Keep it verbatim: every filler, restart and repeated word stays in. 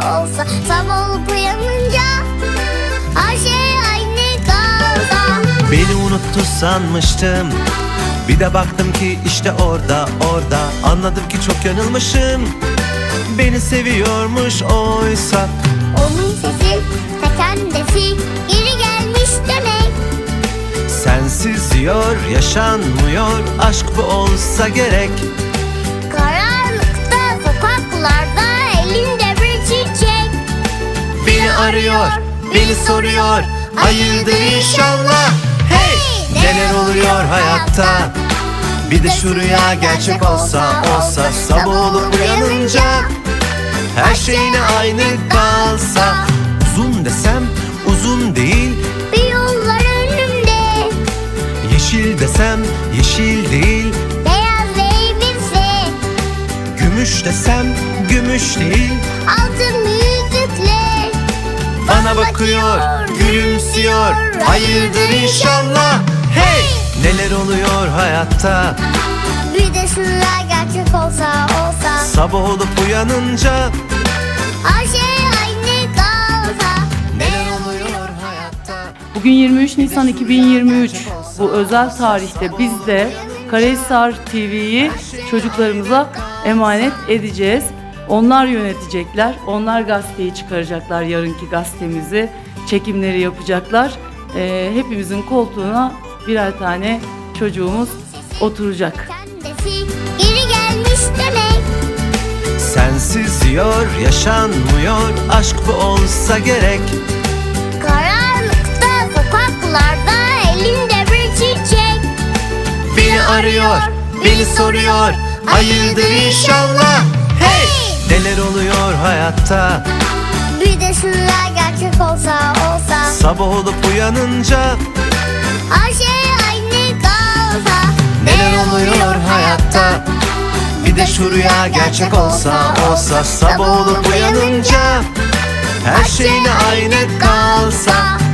olsa, sabah olup uyanınca her şey aynı kalsa. Beni unuttu sanmıştım, bir de baktım ki işte orada, orada. Anladım ki çok yanılmışım, beni seviyormuş oysa. Onun sesi ta kendisi geri gelmiş demek. Sensiz diyor yaşanmıyor, aşk bu olsa gerek. Karanlıkta sokaklarda elinde bir çiçek. Beni arıyor, beni soruyor, hayırdır inşallah. Hey! Neler oluyor hayatta? Bir de şu rüya gerçek olsa, olsa. Sabah olup uyanınca her şeyine aynı kalsa. Uzun desem uzun değil, Bir yollar önümde, yeşil desem yeşil değil, beyaz elbise, gümüş desem gümüş değil. altın yüzükler Bana bakıyor, gülümsüyor, hayırdır inşallah. Hey! Neler oluyor hayatta? Bir de şu rüya gerçek olsa, olsa. Sabah olup uyanınca Her şey aynı kalsa. neler oluyor hayatta? Bugün yirmi üç Nisan iki bin yirmi üç. Bu özel tarihte biz de Karahisar T V'yi çocuklarımıza emanet edeceğiz. Onlar yönetecekler, onlar gazeteyi çıkaracaklar, yarınki gazetemizi, çekimleri yapacaklar. Ee, hepimizin koltuğuna birer tane çocuğumuz oturacak. Kendisi geri gelmiş demek. Sensiz diyor yaşanmıyor, aşk bu olsa gerek. Karanlıkta sokaklarda elinde bir çiçek. Beni arıyor, beni soruyor, hayırdır inşallah. Hey! Neler oluyor hayatta? Bir de şu rüya gerçek olsa, olsa. Sabah olup uyanınca Her şey aynı kalsa. neler oluyor hayatta? Bir de şu rüya gerçek olsa, olsa. Sabah olup uyanınca her şeyine aynı kalsa.